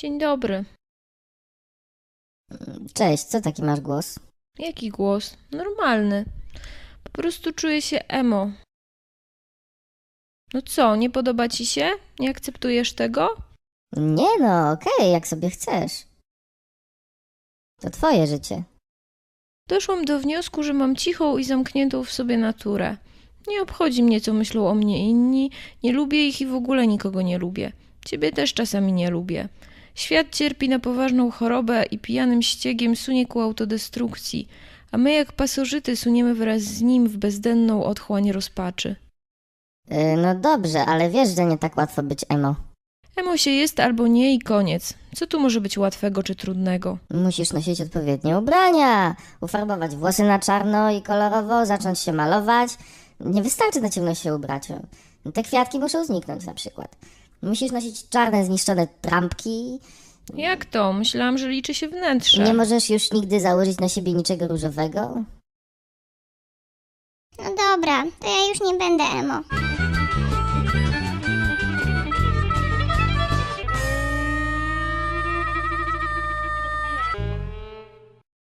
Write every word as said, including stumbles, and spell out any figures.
Dzień dobry. Cześć, co taki masz głos? Jaki głos? Normalny. Po prostu czuję się emo. No co, nie podoba ci się? Nie akceptujesz tego? Nie no, okej, jak sobie chcesz. To twoje życie. Doszłam do wniosku, że mam cichą i zamkniętą w sobie naturę. Nie obchodzi mnie, co myślą o mnie inni, nie lubię ich i w ogóle nikogo nie lubię. Ciebie też czasami nie lubię. Świat cierpi na poważną chorobę i pijanym ściegiem sunie ku autodestrukcji, a my jak pasożyty suniemy wraz z nim w bezdenną otchłań rozpaczy. Yy, no dobrze, ale wiesz, że nie tak łatwo być emo. Emo się jest albo nie i koniec. Co tu może być łatwego czy trudnego? Musisz nosić odpowiednie ubrania, ufarbować włosy na czarno i kolorowo, zacząć się malować. Nie wystarczy na ciemno się ubrać. Te kwiatki muszą zniknąć na przykład. Musisz nosić czarne, zniszczone trampki. Jak to? Myślałam, że liczy się wnętrze. Nie możesz już nigdy założyć na siebie niczego różowego. No dobra, to ja już nie będę emo.